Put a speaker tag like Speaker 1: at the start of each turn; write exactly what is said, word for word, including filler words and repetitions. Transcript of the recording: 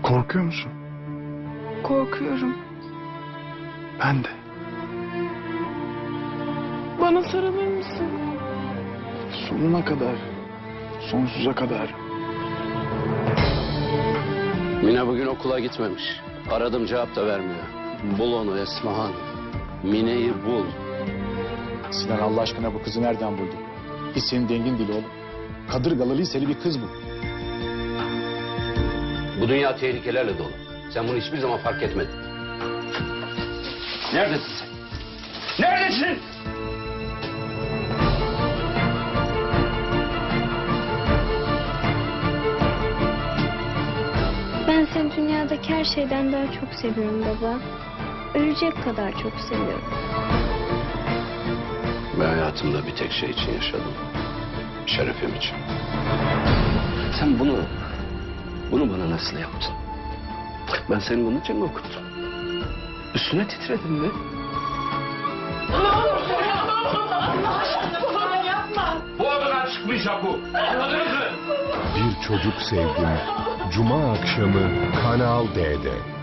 Speaker 1: Korkuyor musun?
Speaker 2: Korkuyorum.
Speaker 1: Ben de.
Speaker 2: Bana sarılır mısın?
Speaker 1: Sonuna kadar. Sonsuza kadar.
Speaker 3: Mine bugün okula gitmemiş. Aradım, cevap da vermiyor. Bul onu Esmahan. Mine'yi bul.
Speaker 4: Sinan, Allah aşkına bu kızı nereden buldun? Hiç senin dengin değil oğlum. Kadırgalı liseli bir kız bu.
Speaker 3: Bu dünya tehlikelerle dolu. Sen bunu hiçbir zaman fark etmedin. Neredesin sen? Neredesin?
Speaker 5: Ben seni dünyadaki her şeyden daha çok seviyorum baba. Ölecek kadar çok seviyorum.
Speaker 3: Ben hayatımda bir tek şey için yaşadım. Şerefim için. Sen bunu, bunu bana nasıl yaptın? Ben seni bunun için mi okuttum? Üstüne titredim mi? Bu odadan çıkmayacak bu. Anladınız mı?
Speaker 6: Bir Çocuk Sevdim Cuma akşamı Kanal D'de.